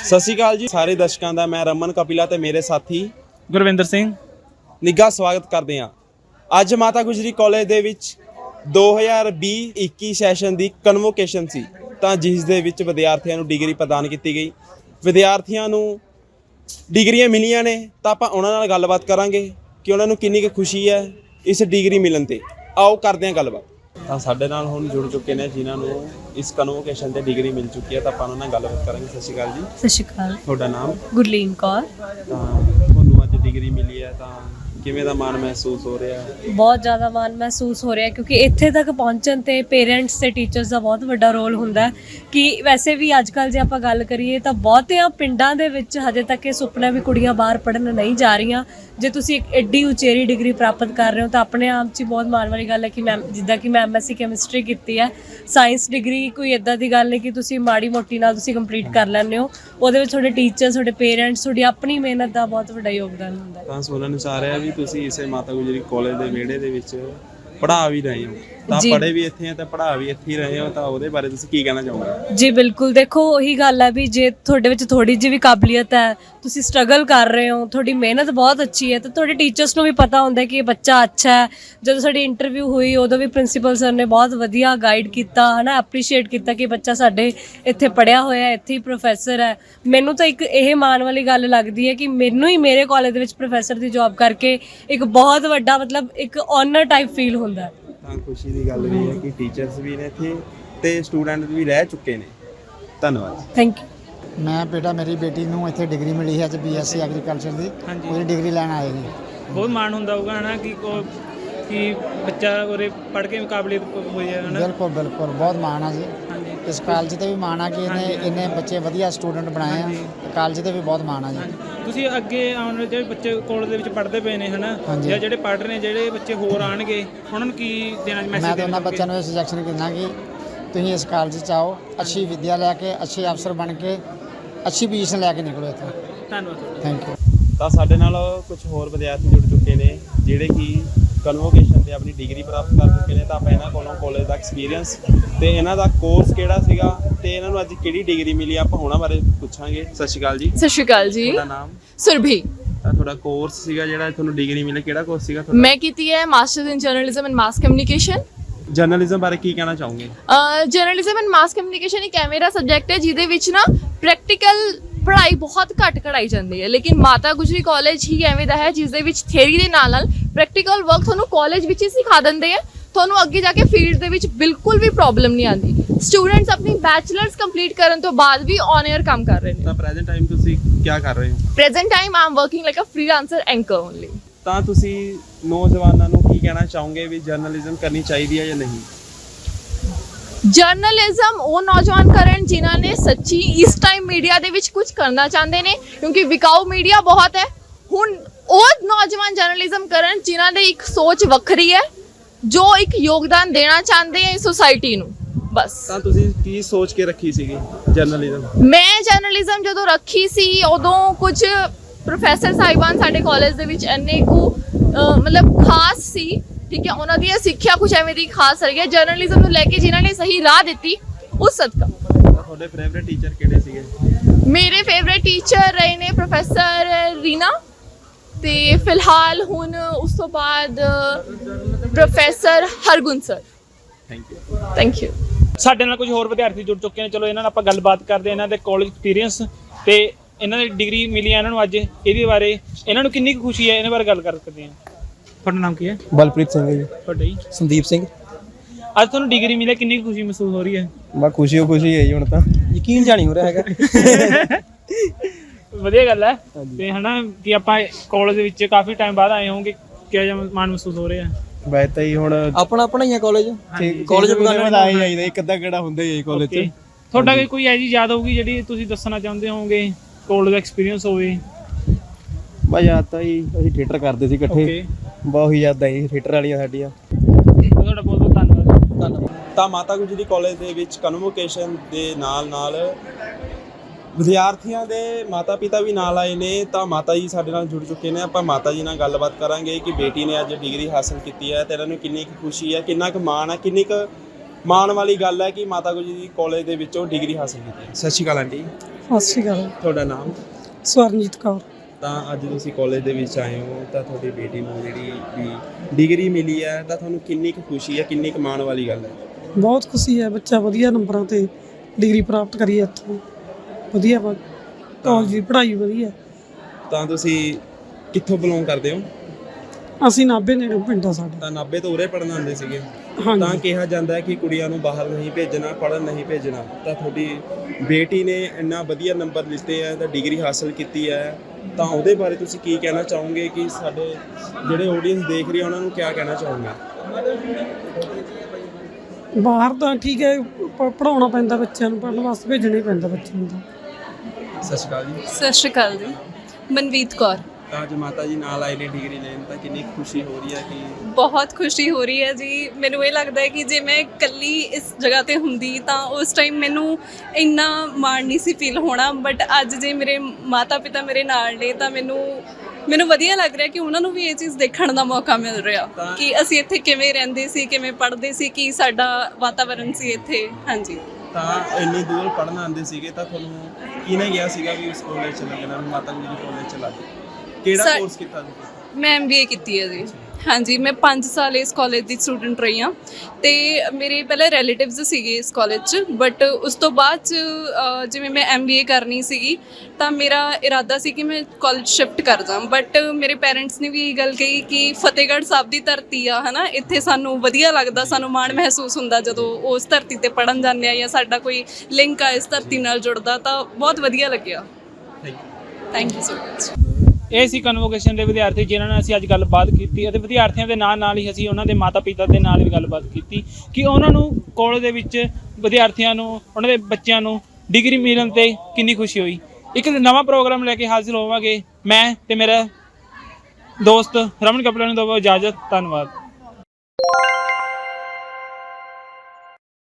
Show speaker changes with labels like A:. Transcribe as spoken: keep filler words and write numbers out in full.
A: ਸਤਿ ਸ਼੍ਰੀ ਅਕਾਲ ਜੀ ਸਾਰੇ ਦਰਸ਼ਕਾਂ ਦਾ। ਮੈਂ ਰਮਨ ਕਪਿਲਾ ਤੇ ਮੇਰੇ ਸਾਥੀ
B: ਗੁਰਵਿੰਦਰ ਸਿੰਘ
A: ਨਿੱਘਾ ਸਵਾਗਤ ਕਰਦੇ ਹਾਂ। ਅੱਜ ਮਾਤਾ ਗੁਜਰੀ ਕਾਲਜ ਦੇ ਵਿੱਚ ਦੋ ਹਜ਼ਾਰ ਵੀਹ ਇੱਕੀ ਸੈਸ਼ਨ ਦੀ ਕਨਵੋਕੇਸ਼ਨ ਸੀ, ਤਾਂ ਜਿਸ ਦੇ ਵਿੱਚ ਵਿਦਿਆਰਥੀਆਂ ਨੂੰ ਡਿਗਰੀ ਪ੍ਰਦਾਨ ਕੀਤੀ ਗਈ। ਵਿਦਿਆਰਥੀਆਂ ਨੂੰ ਡਿਗਰੀਆਂ ਮਿਲੀਆਂ ਨੇ, ਤਾਂ ਆਪਾਂ ਉਹਨਾਂ ਨਾਲ ਗੱਲਬਾਤ ਕਰਾਂਗੇ ਕਿ ਉਹਨਾਂ ਨੂੰ ਕਿੰਨੀ ਕੁ ਖੁਸ਼ੀ ਹੈ ਇਸ ਡਿਗਰੀ ਮਿਲਣ 'ਤੇ। ਆਓ ਕਰਦੇ ਹਾਂ ਗੱਲਬਾਤ। ਤਾਂ ਸਾਡੇ ਨਾਲ ਹੁਣ ਜੁੜ ਚੁੱਕੇ ਨੇ ਜਿਨ੍ਹਾਂ ਨੂੰ ਇਸ ਕਨਵੋਕੇਸ਼ਨ 'ਤੇ ਡਿਗਰੀ ਮਿਲ ਚੁੱਕੀ ਹੈ, ਤਾਂ ਆਪਾਂ ਉਹਨਾਂ ਨਾਲ ਗੱਲਬਾਤ ਕਰਾਂਗੇ। ਸਤਿ ਸ਼੍ਰੀ ਅਕਾਲ ਜੀ।
C: ਸਤਿ ਸ਼੍ਰੀ ਅਕਾਲ।
A: ਤੁਹਾਡਾ ਨਾਮ?
C: ਗੁਰਲੀਨ ਕੌਰ।
A: ਤਾਂ ਤੁਹਾਨੂੰ ਅੱਜ ਡਿਗਰੀ ਮਿਲੀ ਹੈ, ਤਾਂ ਕਿਵੇਂ ਦਾ ਮਾਣ ਮਹਿਸੂਸ ਹੋ ਰਿਹਾ?
C: ਬਹੁਤ ਜ਼ਿਆਦਾ ਮਾਣ ਮਹਿਸੂਸ ਹੋ ਰਿਹਾ, ਕਿਉਂਕਿ ਇੱਥੇ ਤੱਕ ਪਹੁੰਚਣ ਤੇ ਪੇਰੈਂਟਸ ਤੇ ਟੀਚਰਸ ਦਾ ਬਹੁਤ ਵੱਡਾ ਰੋਲ ਹੁੰਦਾ ਕਿ ਵੈਸੇ ਵੀ ਅੱਜ ਕੱਲ੍ਹ ਜੇ ਆਪਾਂ ਗੱਲ ਕਰੀਏ ਤਾਂ ਬਹੁਤਿਆਂ ਪਿੰਡਾਂ ਦੇ ਵਿੱਚ ਹਜੇ ਤੱਕ ਇਹ ਸੁਪਨਾ ਵੀ ਕੁੜੀਆਂ ਬਾਹਰ ਪੜ੍ਹਨ ਨਹੀਂ ਜਾ ਰਹੀਆਂ। ਜੇ ਤੁਸੀਂ ਇੱਕ ਐਡੀ ਉਚੇਰੀ ਡਿਗਰੀ ਪ੍ਰਾਪਤ ਕਰ ਰਹੇ ਹੋ ਤਾਂ ਆਪਣੇ ਆਪ 'ਚ ਹੀ ਬਹੁਤ ਮਾਣ ਵਾਲੀ ਗੱਲ ਹੈ ਕਿ ਮੈਂ ਜਿੱਦਾਂ ਕਿ ਮੈਂ ਐਮ ਐਸ ਸੀ ਕੈਮਿਸਟਰੀ ਕੀਤੀ ਹੈ। ਸਾਇੰਸ ਡਿਗਰੀ ਕੋਈ ਇੱਦਾਂ ਦੀ ਗੱਲ ਨਹੀਂ ਕਿ ਤੁਸੀਂ ਮਾੜੀ ਮੋਟੀ ਨਾਲ ਤੁਸੀਂ ਕੰਪਲੀਟ ਕਰ ਲੈਂਦੇ ਹੋ। ਉਹਦੇ ਵਿੱਚ ਤੁਹਾਡੇ ਟੀਚਰ, ਤੁਹਾਡੇ ਪੇਰੈਂਟਸ, ਤੁਹਾਡੀ ਆਪਣੀ ਮਿਹਨਤ ਦਾ ਬਹੁਤ ਵੱਡਾ ਯੋਗਦਾਨ ਹੁੰਦਾ ਹੈ।
A: ਤਾਂ ਸੁਣਨ ਅਨੁਸਾਰ ਹੈ ਵੀ ਤੁਸੀਂ ਇਸੇ ਮਾਤਾ ਗੁਜਰੀ ਕਾਲਜ ਦੇ ਵਿਹੜੇ ਦੇ ਵਿੱਚ ਪੜ੍ਹਾ ਵੀ ਰਹੇ ਹੋ, ਤਾਂ ਪੜ੍ਹੇ ਵੀ ਇੱਥੇ ਆ ਤੇ ਪੜ੍ਹਾ ਵੀ ਇੱਥੇ ਹੀ ਰਹੇ ਹੋ, ਤਾਂ ਉਹਦੇ ਬਾਰੇ ਤੁਸੀਂ ਕੀ ਕਹਿਣਾ ਚਾਹੋਗੇ? ਜੀ
C: ਬਿਲਕੁਲ, ਦੇਖੋ ਉਹੀ ਗੱਲ ਹੈ ਵੀ ਜੇ ਤੁਹਾਡੇ ਵਿੱਚ ਥੋੜੀ ਜਿਹੀ ਵੀ ਕਾਬਲੀਅਤ ਹੈ, ਤੁਸੀਂ ਸਟਰਗਲ ਕਰ ਰਹੇ ਹੋ, ਤੁਹਾਡੀ ਮਿਹਨਤ ਬਹੁਤ ਅੱਛੀ ਹੈ, ਤਾਂ ਤੁਹਾਡੇ ਟੀਚਰਸ ਨੂੰ ਵੀ ਪਤਾ ਹੁੰਦਾ ਕਿ ਇਹ ਬੱਚਾ ਅੱਛਾ ਹੈ। ਜਦੋਂ ਸਾਡੀ ਇੰਟਰਵਿਊ ਹੋਈ ਉਦੋਂ ਵੀ ਪ੍ਰਿੰਸੀਪਲ ਸਰ ਨੇ ਬਹੁਤ ਵਧੀਆ ਗਾਈਡ ਕੀਤਾ ਹੈ ਨਾ, ਐਪਰੀਸ਼ੀਏਟ ਕੀਤਾ ਕਿ ਬੱਚਾ ਸਾਡੇ ਇੱਥੇ ਪੜ੍ਹਿਆ ਹੋਇਆ, ਇੱਥੇ ਹੀ ਪ੍ਰੋਫੈਸਰ ਹੈ। ਮੈਨੂੰ ਤਾਂ ਇੱਕ ਇਹ ਮਾਣ ਵਾਲੀ ਗੱਲ ਲੱਗਦੀ ਹੈ ਕਿ ਮੈਨੂੰ ਹੀ ਮੇਰੇ ਕਾਲਜ ਦੇ ਵਿੱਚ ਪ੍ਰੋਫੈਸਰ ਦੀ ਜੌਬ ਕਰਕੇ ਇੱਕ ਬਹੁਤ ਵੱਡਾ ਮਤਲਬ ਇੱਕ ਆਨਰ ਟਾਈਪ ਫੀਲ ਹੁੰਦਾ।
A: ਤਾਂ ਖੁਸ਼ੀ ਦੀ ਗੱਲ ਵੀ ਹੈ ਕਿ ਟੀਚਰਸ ਵੀ ਨੇ ਇੱਥੇ ਤੇ ਸਟੂਡੈਂਟ ਵੀ ਰਹਿ ਚੁੱਕੇ ਨੇ। ਧੰਨਵਾਦ।
C: Thank you.
D: ਮੈਂ ਬੇਟਾ ਮੇਰੀ ਬੇਟੀ ਨੂੰ ਇੱਥੇ ਡਿਗਰੀ ਮਿਲੀ ਹੈ ਅੱਜ ਬੀ ਐਸ ਸੀ ਐਗਰੀਕਲਚਰ ਦੀ। ਉਹਦੀ ਡਿਗਰੀ ਲੈਣ ਆਏ ਨੇ।
B: ਬਹੁਤ ਮਾਣ ਹੁੰਦਾ ਹੋਊਗਾ ਹਨਾ ਕਿ ਕੋ ਕਿ ਬੱਚਾ ਉਰੇ ਪੜ੍ਹ ਕੇ ਕਾਬਲੀਅਤ ਹੋਈ ਹੈ ਹਨਾ।
D: ਬਿਲਕੁਲ ਬਿਲਕੁਲ ਬਹੁਤ ਮਾਣ ਆ ਜੀ। ਇਸ ਕਾਲਜ 'ਤੇ ਵੀ ਮਾਣ ਆ ਕਿ ਇਹਨੇ ਇੰਨੇ ਬੱਚੇ ਵਧੀਆ ਸਟੂਡੈਂਟ ਬਣਾਏ ਆ। ਕਾਲਜ 'ਤੇ ਵੀ ਬਹੁਤ ਮਾਣ ਆ ਜੀ।
B: ਤੁਸੀਂ ਅੱਗੇ ਆਉਣ ਵਾਲੇ ਜਿਹੜੇ ਬੱਚੇ ਕਾਲਜ ਦੇ ਵਿੱਚ ਪੜ੍ਹਦੇ ਪਏ ਨੇ ਹਨਾ, ਜਾਂ ਜਿਹੜੇ ਪੜ੍ਹ ਰਹੇ ਨੇ, ਜਿਹੜੇ ਬੱਚੇ ਹੋਰ ਆਉਣਗੇ, ਉਹਨਾਂ ਨੂੰ ਕੀ ਦੇਣਾ ਮੈਸੇਜ? ਮੈਂ
D: ਤਾਂ ਉਹਨਾਂ ਬੱਚਿਆਂ ਨੂੰ ਇਹ ਸੁਜੈਸ਼ਨ ਕਰਨਾ ਕਿ ਤੁਸੀਂ ਇਸ ਕਾਲਜ 'ਚ ਆਓ, ਅੱਛੀ ਵਿੱਦਿਆ ਲੈ ਕੇ, ਅੱਛੇ ਅਫਸਰ ਬਣ ਕੇ, ਅੱਛੀ ਪੋਜੀਸ਼ਨ ਲੈ ਕੇ ਨਿਕਲੋ ਇੱਥੋਂ।
B: ਧੰਨਵਾਦ।
D: Thank you.
A: ਤਾਂ ਸਾਡੇ ਨਾਲ ਕੁਝ ਹੋਰ ਵਿਦਿਆਰਥੀ ਜੁੜ ਚੁੱਕੇ ਨੇ ਜਿਹੜੇ ਕਿ ਕਨਵੋਕੇਸ਼ਨ 'ਤੇ ਆਪਣੀ ਡਿਗਰੀ ਪ੍ਰਾਪਤ ਕਰ ਚੁੱਕੇ ਨੇ। ਤਾਂ ਆਪਾਂ ਇਹਨਾਂ ਕੋਲੋਂ ਕਾਲਜ ਦਾ ਐਕਸਪੀਰੀਅੰਸ ਤੇ ਇਹਨਾਂ ਦਾ ਕੋਰਸ ਕਿਹੜਾ ਸੀਗਾ ਤੇ ਇਹਨਾਂ ਨੂੰ ਅੱਜ ਕਿਹੜੀ ਡਿਗਰੀ ਮਿਲੀ ਆਪਾਂ ਉਹਨਾਂ ਬਾਰੇ ਪੁੱਛਾਂਗੇ। ਸਤਿ ਸ਼੍ਰੀ ਅਕਾਲ ਜੀ।
E: ਸਤਿ ਸ਼੍ਰੀ ਅਕਾਲ ਜੀ।
A: ਤੁਹਾਡਾ ਨਾਮ?
E: ਸੁਰਭੀ।
A: ਤਾਂ ਤੁਹਾਡਾ ਕੋਰਸ ਸੀਗਾ ਜਿਹੜਾ ਤੁਹਾਨੂੰ ਡਿਗਰੀ ਮਿਲੀ, ਕਿਹੜਾ ਕੋਰਸ ਸੀਗਾ ਤੁਹਾਡਾ?
E: ਮੈਂ ਕੀਤੀ ਹੈ masters in journalism and mass communication.
A: Journalism ਬਾਰੇ ਕੀ ਕਹਿਣਾ ਚਾਹੋਗੇ?
E: ਜਰਨਲਿਜ਼ਮ ਐਂਡ ਮਾਸ ਕਮਿਊਨੀਕੇਸ਼ਨ ਇੱਕ ਐਵੇਂ ਦਾ ਸਬਜੈਕਟ ਹੈ ਜਿਹਦੇ ਵਿੱਚ ਨਾ ਪ੍ਰੈਕਟੀਕਲ ਪੜ੍ਹਾਈ ਬਹੁਤ ਘੱਟ ਕਰਾਈ ਜਾਂਦੀ ਹੈ, ਲੇਕਿਨ ਮਾਤਾ ਗੁਜਰੀ ਕਾਲਜ ਹੀ ਐਵੇਂ ਦਾ ਹੈ ਜਿਸ ਦੇ ਵਿੱਚ ਥਿਊਰੀ ਦੇ ਨਾਲ ਨਾਲ ਪ੍ਰੈਕਟੀਕਲ ਵਰਕ ਤੁਹਾਨੂੰ ਕਾਲਜ ਵਿੱਚ ਹੀ ਸਿਖਾ ਦਿੰਦੇ ਆ। ਤੁਹਾਨੂੰ ਅੱਗੇ ਜਾ ਕੇ ਫੀਲਡ ਦੇ ਵਿੱਚ ਬਿਲਕੁਲ ਵੀ ਪ੍ਰੋਬਲਮ ਨਹੀਂ ਆਉਂਦੀ। ਸਟੂਡੈਂਟਸ ਆਪਣੀ ਬੈਚਲਰਸ ਕੰਪਲੀਟ ਕਰਨ ਤੋਂ ਬਾਅਦ ਵੀ ਔਨ 에ਅਰ ਕੰਮ ਕਰ ਰਹੇ ਨੇ।
A: ਤਾਂ ਪ੍ਰੈਜ਼ੈਂਟ ਟਾਈਮ ਤੁਸੀਂ ਕੀ ਕਰ ਰਹੇ ਹੋ?
E: Present time I am working like a freelancer anchor only.
A: ਤਾਂ ਤੁਸੀਂ ਨੌਜਵਾਨਾਂ ਨੂੰ ਕੀ ਕਹਿਣਾ ਚਾਹੋਗੇ ਵੀ ਜਰਨਲਿਜ਼ਮ ਕਰਨੀ ਚਾਹੀਦੀ ਹੈ ਜਾਂ ਨਹੀਂ?
E: ਜਰਨਲਿਜ਼ਮ ਉਹ ਨੌਜਵਾਨ ਕਰਨ ਜਿਨ੍ਹਾਂ ਨੇ ਸੱਚੀ ਇਸ ਟਾਈਮ ਮੀਡੀਆ ਦੇ ਵਿੱਚ ਕੁਝ ਕਰਨਾ ਚਾਹੁੰਦੇ ਨੇ, ਕਿਉਂਕਿ ਵਿਕਾਊ ਮੀਡੀਆ ਬਹੁਤ ਹੈ। ਹੁਣ ਉਹ ਨੌਜਵਾਨ ਜਰਨਲਿਜ਼ਮ ਕਰਨ ਜਿਨ੍ਹਾਂ ਦੀ ਇੱਕ ਸੋਚ ਵੱਖਰੀ ਹੈ, ਜੋ ਇੱਕ ਯੋਗਦਾਨ ਦੇਣਾ ਚਾਹੁੰਦੇ ਹੈ ਸੋਸਾਇਟੀ ਨੂੰ। ਬਸ। ਤਾਂ
A: ਤੁਸੀਂ ਕੀ ਸੋਚ ਕੇ ਰੱਖੀ ਸੀਗੀ ਜਰਨਲਿਜ਼ਮ?
E: ਮੈਂ ਜਰਨਲਿਜ਼ਮ ਜਦੋਂ ਰੱਖੀ ਸੀ ਉਦੋਂ ਕੁਝ ਪ੍ਰੋਫੈਸਰ ਸਾਹਿਬਾਨ ਸਾਡੇ ਕਾਲਜ ਦੇ ਵਿੱਚ ਇੰਨੇ ਕੁ ਮਤਲਬ ਖਾਸ ਸੀ, ਠੀਕ ਹੈ, ਉਹਨਾਂ ਦੀ ਸਿੱਖਿਆ ਕੁਝ ਐਵੇਂ ਦੀ ਖਾਸ ਰਹੀ ਹੈ ਜਰਨਲਿਜ਼ਮ ਨੂੰ ਲੈ ਕੇ, ਜਿਨ੍ਹਾਂ ਨੇ ਸਹੀ ਰਾਹ ਦਿੱਤੀ ਉਸ ਸਦਕਾ।
A: ਤੁਹਾਡੇ ਫੇਵਰੇਟ ਟੀਚਰ ਕਿਹੜੇ ਸੀਗੇ?
E: ਮੇਰੇ ਫੇਵਰੇਟ ਟੀਚਰ ਰਹੇ ਨੇ ਪ੍ਰੋਫੈਸਰ ਰੀਨਾ, ਤੇ ਫਿਲਹਾਲ ਹੁਣ ਉਸ ਤੋਂ ਬਾਅਦ professor Hargun sir.
A: Thank you.
E: Thank you.
B: ਸਾਡੇ ਨਾਲ ਕੁਝ ਹੋਰ ਵਿਦਿਆਰਥੀ ਜੁੜ ਚੁੱਕੇ ਨੇ। ਚਲੋ ਇਹਨਾਂ ਨਾਲ ਆਪਾਂ ਗੱਲਬਾਤ ਕਰਦੇ ਹਾਂ, ਇਹਨਾਂ ਦੇ ਕਾਲਜ ਐਕਸਪੀਰੀਅੰਸ ਤੇ ਇਹਨਾਂ ਦੀ ਡਿਗਰੀ ਮਿਲੀ ਹੈ ਇਹਨਾਂ ਨੂੰ ਅੱਜ, ਇਹਦੇ ਬਾਰੇ ਇਹਨਾਂ ਨੂੰ ਕਿੰਨੀ ਕੁ ਖੁਸ਼ੀ ਹੈ, ਇਹਨਾਂ ਬਾਰੇ ਗੱਲ ਕਰ ਸਕਦੇ ਹਾਂ। ਤੁਹਾਡਾ ਨਾਮ ਕੀ ਹੈ?
F: ਬਲਪ੍ਰੀਤ ਸਿੰਘ ਜੀ।
B: ਤੁਹਾਡਾ ਜੀ?
F: ਸੰਦੀਪ ਸਿੰਘ।
B: ਅੱਜ ਤੁਹਾਨੂੰ ਡਿਗਰੀ ਮਿਲੀ, ਕਿੰਨੀ ਕੁ ਖੁਸ਼ੀ ਮਹਿਸੂਸ ਹੋ ਰਹੀ ਹੈ?
F: ਬਸ ਖੁਸ਼ੀ ਹੋ ਖੁਸ਼ੀ ਹੈ ਜੀ, ਹੁਣ ਤਾਂ ਯਕੀਨ ਜਾਣੀ ਹੋ ਰਿਹਾ ਹੈਗਾ।
B: ਵਧੀਆ ਗੱਲ ਹੈ। ਤੇ ਹਨਾ ਕਿ ਆਪਾਂ ਕਾਲਜ ਦੇ ਵਿੱਚ ਕਾਫੀ ਟਾਈਮ ਬਾਅਦ ਆਏ ਹੋਵਾਂਗੇ, ਕਿਹੋ ਜਿਹਾ ਮਾਣ ਮਹਿਸੂਸ ਹੋ ਰਿਹਾ?
F: ਵੈਸੇ ਤਾਂ ਹੀ ਹੁਣ ਆਪਣਾ ਆਪਣਾ ਹੀ ਆ ਕਾਲਜ। ਕਾਲਜ ਬਗਾਨੇ ਆਏ ਜਾਈਦਾ, ਇੱਕ ਅੱਧਾ ਕਿਹੜਾ ਹੁੰਦਾ ਹੀ ਕਾਲਜ 'ਚ।
B: ਤੁਹਾਡਾ ਕੋਈ ਐਜੀ ਯਾਦ ਹੋਊਗੀ ਜਿਹੜੀ ਤੁਸੀਂ ਦੱਸਣਾ ਚਾਹੁੰਦੇ ਹੋਵੋਗੇ, ਕਾਲਜ ਦਾ ਐਕਸਪੀਰੀਅੰਸ ਹੋਵੇ?
F: ਬਸ ਯਾਦ ਤਾਂ ਹੀ ਅਸੀਂ ਥੀਏਟਰ ਕਰਦੇ ਸੀ ਇਕੱਠੇ, ਬਹੁਤ ਹੀ ਯਾਦਾਂ ਜੀ ਥੀਏਟਰ ਵਾਲੀਆਂ ਸਾਡੀਆਂ।
B: ਤੁਹਾਡਾ ਬਹੁਤ ਬਹੁਤ ਧੰਨਵਾਦ।
F: ਧੰਨਵਾਦ।
A: ਤਾਂ ਮਾਤਾ ਗੁਜਰੀ ਕਾਲਜ ਦੇ ਵਿੱਚ ਕਨਵੋਕੇਸ਼ਨ ਦੇ ਨਾਲ ਨਾਲ ਵਿਦਿਆਰਥੀਆਂ ਦੇ ਮਾਤਾ ਪਿਤਾ ਵੀ ਨਾਲ ਆਏ ਨੇ। ਤਾਂ ਮਾਤਾ ਜੀ ਸਾਡੇ ਨਾਲ ਜੁੜ ਚੁੱਕੇ ਨੇ, ਆਪਾਂ ਮਾਤਾ ਜੀ ਨਾਲ ਗੱਲਬਾਤ ਕਰਾਂਗੇ ਕਿ ਬੇਟੀ ਨੇ ਅੱਜ ਡਿਗਰੀ ਹਾਸਲ ਕੀਤੀ ਹੈ ਤੇ ਇਹਨਾਂ ਨੂੰ ਕਿੰਨੀ ਕੁ ਖੁਸ਼ੀ ਹੈ, ਕਿੰਨਾ ਕੁ ਮਾਣ ਹੈ, ਕਿੰਨੀ ਕੁ ਮਾਣ ਵਾਲੀ ਗੱਲ ਹੈ ਕਿ ਮਾਤਾ ਗੁਜਰੀ ਕਾਲਜ ਦੇ ਵਿੱਚੋਂ ਡਿਗਰੀ ਹਾਸਲ ਕੀਤੀ ਹੈ। ਸਤਿ ਸ਼੍ਰੀ ਅਕਾਲ ਆਂਟੀ,
G: ਸਤਿ ਸ਼੍ਰੀ ਅਕਾਲ।
A: ਤੁਹਾਡਾ ਨਾਮ?
G: ਸਵਰਨਜੀਤ ਕੌਰ।
A: ਤਾਂ ਅੱਜ ਤੁਸੀਂ ਕਾਲਜ ਦੇ ਵਿੱਚ ਆਏ ਹੋ ਤਾਂ ਤੁਹਾਡੀ ਬੇਟੀ ਨੂੰ ਜਿਹੜੀ ਵੀ ਡਿਗਰੀ ਮਿਲੀ ਹੈ ਤਾਂ ਤੁਹਾਨੂੰ ਕਿੰਨੀ ਕੁ ਖੁਸ਼ੀ ਹੈ, ਕਿੰਨੀ ਕੁ ਮਾਣ ਵਾਲੀ ਗੱਲ ਹੈ?
G: ਬਹੁਤ ਖੁਸ਼ੀ ਹੈ, ਬੱਚਾ ਵਧੀਆ ਨੰਬਰਾਂ ਤੇ ਡਿਗਰੀ ਪ੍ਰਾਪਤ ਕਰੀ ਹੈ ਇੱਥੋਂ। ਵਧੀਆ ਵਾ, ਕਾਲਜ ਦੀ ਪੜ੍ਹਾਈ ਵਧੀਆ।
A: ਤਾਂ ਤੁਸੀਂ ਕਿੱਥੋਂ ਬਿਲੋਂਗ ਕਰਦੇ ਹੋ?
G: ਅਸੀਂ ਨਾਭੇ ਨੇੜੇ ਪਿੰਡ ਆ ਸਾਡਾ।
A: ਤਾਂ ਨਾਭੇ ਤੋਂ ਉਰੇ ਪੜ੍ਹਨ ਆਉਂਦੇ ਸੀਗੇ।
G: ਹਾਂਜੀ।
A: ਤਾਂ ਕਿਹਾ ਜਾਂਦਾ ਹੈ ਕਿ ਕੁੜੀਆਂ ਨੂੰ ਬਾਹਰ ਨਹੀਂ ਭੇਜਣਾ, ਪੜ੍ਹਨ ਨਹੀਂ ਭੇਜਣਾ, ਤਾਂ ਤੁਹਾਡੀ ਬੇਟੀ ਨੇ ਇੰਨਾ ਵਧੀਆ ਨੰਬਰ ਲਿੱਤੇ ਹੈ ਤਾਂ ਡਿਗਰੀ ਹਾਸਲ ਕੀਤੀ ਹੈ, ਤਾਂ ਉਹਦੇ ਬਾਰੇ ਤੁਸੀਂ ਕੀ ਕਹਿਣਾ ਚਾਹੋਗੇ ਕਿ ਸਾਡੇ ਜਿਹੜੇ ਆਡੀਅנס ਦੇਖ ਰਹੀ ਹੈ ਉਹਨਾਂ ਨੂੰ ਕੀ ਕਹਿਣਾ ਚਾਹੋਗੇ?
G: ਬਾਹਰ ਤਾਂ ਠੀਕ ਹੈ, ਪ- ਪੜ੍ਹਾਉਣਾ ਪੈਂਦਾ ਬੱਚਿਆਂ ਨੂੰ, ਪੜ੍ਹਨ ਵਾਸਤੇ ਭੇਜਣਾ ਹੀ ਪੈਂਦਾ ਬੱਚਿਆਂ ਨੂੰ ਤਾਂ।
A: ਸਤਿ ਸ਼੍ਰੀ ਅਕਾਲ ਜੀ।
H: ਸਤਿ ਸ਼੍ਰੀ ਅਕਾਲ ਜੀ। ਮਨਵੀਤ ਕੌਰ।
A: ਤਾਂ ਅੱਜ ਮਾਤਾ ਜੀ ਨਾਲ ਆਏ ਨੇ ਡਿਗਰੀ ਲੈਣ, ਤਾਂ ਕਿੰਨੀ ਖੁਸ਼ੀ ਹੋ ਰਹੀ ਹੈ? ਕਿ
H: ਬਹੁਤ ਖੁਸ਼ੀ ਹੋ ਰਹੀ ਹੈ ਜੀ। ਮੈਨੂੰ ਇਹ ਲੱਗਦਾ ਹੈ ਕਿ ਜੇ ਮੈਂ ਇਕੱਲੀ ਇਸ ਜਗ੍ਹਾ ਤੇ ਹੁੰਦੀ ਤਾਂ ਉਸ ਟਾਈਮ ਮੈਨੂੰ ਇੰਨਾ ਮਾਣ ਨਹੀਂ ਸੀ ਫੀਲ ਹੋਣਾ, ਬਟ ਅੱਜ ਜੇ ਮੇਰੇ ਮਾਤਾ ਪਿਤਾ ਮੇਰੇ ਨਾਲ ਨੇ ਤਾਂ ਮੈਨੂੰ ਮੈਨੂੰ ਵਧੀਆ ਲੱਗ ਰਿਹਾ ਕਿ ਉਹਨਾਂ ਨੂੰ ਵੀ ਇਹ ਚੀਜ਼ ਦੇਖਣ ਦਾ ਮੌਕਾ ਮਿਲ ਰਿਹਾ ਕਿ ਅਸੀਂ ਇੱਥੇ ਕਿਵੇਂ ਰਹਿੰਦੇ ਸੀ, ਕਿਵੇਂ ਪੜ੍ਹਦੇ ਸੀ, ਕੀ ਸਾਡਾ ਵਾਤਾਵਰਣ ਸੀ ਇੱਥੇ। ਹਾਂਜੀ।
A: ਤਾਂ ਇੰਨੀ ਦੂਰ ਪੜ੍ਹਨ ਆਉਂਦੇ ਸੀਗੇ ਤਾਂ ਤੁਹਾਨੂੰ ਕਿਹਨੇ ਕਿਹਾ ਸੀਗਾ ਵੀ ਉਸ ਕਾਲਜ ਚ ਲੱਗਣਾ, ਮਾਤਾ ਗੁਜਰੀ ਕਾਲਜ ਚ ਲੱਗ? ਕਿਹੜਾ
H: ਸਰ-
A: ਕੋਰਸ ਕੀਤਾ ਤੁਸੀਂ?
H: ਮੈਂ ਐਮ ਬੀ ਏ ਕੀਤੀ ਹੈ ਜੀ। ਹਾਂਜੀ, ਮੈਂ ਪੰਜ ਸਾਲ ਇਸ ਕਾਲਜ ਦੀ ਸਟੂਡੈਂਟ ਰਹੀ ਹਾਂ ਤੇ ਮੇਰੇ ਪਹਿਲੇ ਰਿਲੇਟਿਵਸ ਸੀਗੇ ਇਸ ਕਾਲਜ 'ਚ, ਬਟ ਉਸ ਤੋਂ ਬਾਅਦ 'ਚ ਅ, ਜਿਵੇਂ ਮੈਂ ਐਮ ਬੀ ਏ ਕਰਨੀ ਸੀਗੀ ਤਾਂ ਮੇਰਾ ਇਰਾਦਾ ਸੀ ਕਿ ਮੈਂ ਕਾਲਜ ਸ਼ਿਫਟ ਕਰ ਜਾਵਾਂ, ਬਟ ਮੇਰੇ ਪੇਰੈਂਟਸ ਨੇ ਵੀ ਇਹ ਗੱਲ ਕਹੀ ਕਿ ਫਤਿਹਗੜ੍ਹ ਸਾਹਿਬ ਦੀ ਧਰਤੀ ਆ, ਹੈ ਨਾ, ਇੱਥੇ ਸਾਨੂੰ ਵਧੀਆ ਲੱਗਦਾ, ਸਾਨੂੰ ਮਾਣ ਮਹਿਸੂਸ ਹੁੰਦਾ ਜਦੋਂ ਉਸ ਧਰਤੀ ਤੇ ਪੜ੍ਹਨ ਜਾਂਦੇ ਆ ਜਾਂ ਸਾਡਾ ਕੋਈ ਲਿੰਕ ਆ ਇਸ ਧਰਤੀ ਨਾਲ ਜੁੜਦਾ, ਤਾਂ ਬਹੁਤ ਵਧੀਆ ਲੱਗਿਆ। Thank you so much.
B: ਇਹ ਸੀ ਕਨਵੋਕੇਸ਼ਨ ਦੇ ਵਿਦਿਆਰਥੀ ਜਿਨ੍ਹਾਂ ਨਾਲ ਅਸੀਂ ਅੱਜ ਗੱਲਬਾਤ ਕੀਤੀ ਅਤੇ ਵਿਦਿਆਰਥੀਆਂ ਦੇ ਨਾਲ ਨਾਲ ਹੀ ਅਸੀਂ ਉਹਨਾਂ ਦੇ ਮਾਤਾ ਪਿਤਾ ਦੇ ਨਾਲ ਵੀ ਗੱਲਬਾਤ ਕੀਤੀ ਕਿ ਉਹਨਾਂ ਨੂੰ ਕਾਲਜ ਦੇ ਵਿੱਚ ਵਿਦਿਆਰਥੀਆਂ ਨੂੰ, ਉਹਨਾਂ ਦੇ ਬੱਚਿਆਂ ਨੂੰ ਡਿਗਰੀ ਮਿਲਣ 'ਤੇ ਕਿੰਨੀ ਖੁਸ਼ੀ ਹੋਈ। ਇੱਕ ਨਵਾਂ ਪ੍ਰੋਗਰਾਮ ਲੈ ਕੇ ਹਾਜ਼ਰ ਹੋਵਾਂਗੇ। ਮੈਂ ਤੇ ਮੇਰਾ ਦੋਸਤ ਰਮਨ ਕਪਲਾਂ ਨੂੰ ਦਵੋ ਇਜਾਜ਼ਤ। ਧੰਨਵਾਦ।